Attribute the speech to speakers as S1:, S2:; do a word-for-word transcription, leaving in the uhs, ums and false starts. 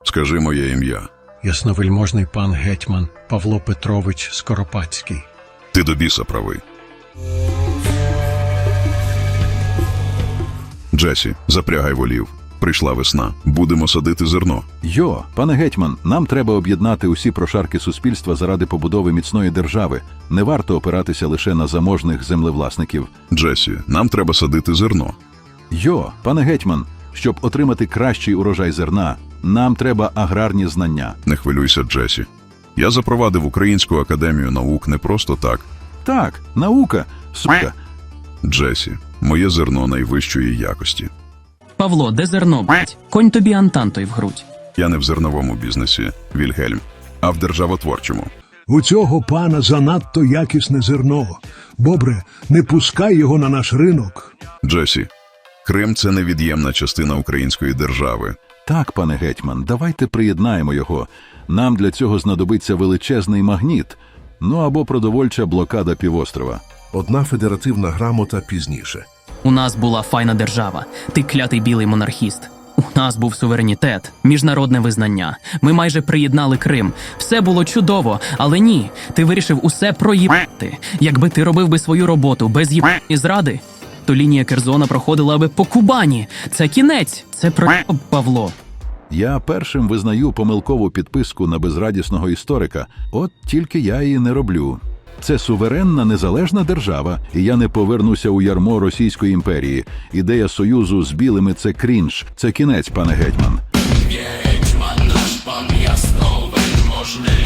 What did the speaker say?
S1: Скажи моє ім'я.
S2: Ясновельможний пан гетьман Павло Петрович Скоропадський.
S1: Ти до біса правий. Джесі, запрягай волів. Прийшла весна. Будемо садити зерно.
S3: Йо, пане гетьман, нам треба об'єднати усі прошарки суспільства заради побудови міцної держави. Не варто опиратися лише на заможних землевласників.
S1: Джесі, нам треба садити зерно.
S3: Йо, пане гетьман, щоб отримати кращий урожай зерна, нам треба аграрні знання.
S1: Не хвилюйся, Джесі. Я запровадив Українську академію наук не просто так.
S3: Так, наука, сука.
S1: Джесі, моє зерно найвищої якості.
S4: Павло, де зерно, б***ь? Конь тобі антантой в грудь.
S1: Я не в зерновому бізнесі, Вільгельм, а в державотворчому.
S5: У цього пана занадто якісне зерно. Бобре, не пускай його на наш ринок.
S1: Джесі, Крим – це невід'ємна частина української держави.
S3: Так, пане гетьман, давайте приєднаємо його. Нам для цього знадобиться величезний магніт, ну або продовольча блокада півострова.
S6: Одна федеративна грамота пізніше.
S4: У нас була файна держава. Ти клятий білий монархіст. У нас був суверенітет, міжнародне визнання. Ми майже приєднали Крим. Все було чудово, але ні. Ти вирішив усе проїбати. Якби ти робив би свою роботу без їб і зради, то лінія Керзона проходила би по Кубані. Це кінець. Це проїб, Павло.
S3: Я першим визнаю помилкову підписку на безрадісного історика. От тільки я її не роблю. Це суверенна незалежна держава, і я не повернуся у ярмо Російської імперії. Ідея союзу з білими – це крінж. Це кінець, пане гетьман.
S7: Гетьман наш пан ясновельможний.